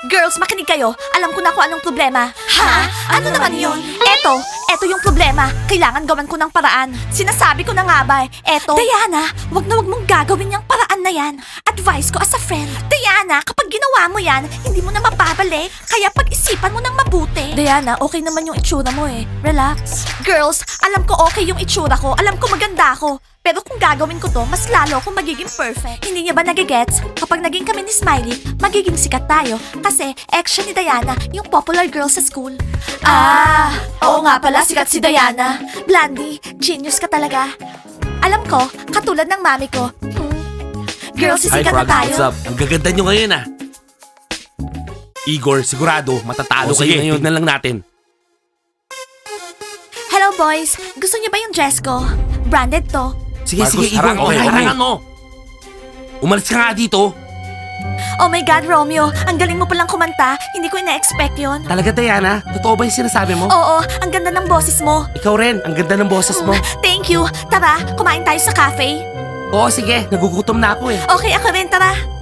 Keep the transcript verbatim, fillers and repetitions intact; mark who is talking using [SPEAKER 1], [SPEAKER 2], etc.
[SPEAKER 1] Girls, makinig kayo. Alam ko na kung anong problema. Ha? Ano, naman yun? Eto, eto yung problema. Kailangan gawan ko ng paraan. Sinasabi ko na nga ba, eh. Eto. Diana, wag na wag mong gagawin yung paraan na yan. Advice ko as a friend. Diana, kapag ginawa mo yan, hindi mo na mapabalik. Kaya pag-isipan mo ng mabuti. Diana, okay naman yung itsura mo eh. Relax. Girls, alam ko okay yung itsura ko. Alam ko maganda ako. Pero kung gagawin ko to, mas lalo akong magiging perfect. Hindi niya ba nagigets? Kapag naging kami ni Smiley, magiging sikat tayo. Kasi ex siya ni Diana, yung popular girl sa school. Ah, oo nga pala, sikat si Diana. Blandy, genius ka talaga. Alam ko, katulad ng mami ko. Hmm. Girls,
[SPEAKER 2] Hi
[SPEAKER 1] sisikat na
[SPEAKER 2] Frogs,
[SPEAKER 1] tayo.
[SPEAKER 2] what's up? Ang gaganda nyo ngayon ah. Igor, sigurado, matatalo
[SPEAKER 3] O,
[SPEAKER 2] kayo
[SPEAKER 3] sige,
[SPEAKER 2] ngayon. Tignan lang natin.
[SPEAKER 1] Hello boys, gusto niyo ba yung dress ko? Branded to.
[SPEAKER 2] Sige,
[SPEAKER 3] Marcus,
[SPEAKER 2] sige, Igor,
[SPEAKER 3] harang, okay,
[SPEAKER 2] okay,
[SPEAKER 3] okay.
[SPEAKER 2] harangan mo. Umalis ka nga dito.
[SPEAKER 1] Oh my God, Romeo, ang galing mo palang kumanta. Hindi ko ina-expect yun.
[SPEAKER 2] Talaga, Diana? Totoo ba yung sinasabi mo?
[SPEAKER 1] Oo, ang ganda ng boses mo.
[SPEAKER 2] Ikaw rin, ang ganda ng boses mo.
[SPEAKER 1] Thank you. Tara, kumain tayo sa cafe.
[SPEAKER 2] Oo, sige, nagugutom na ako eh.
[SPEAKER 1] Okay, ako rin, tara.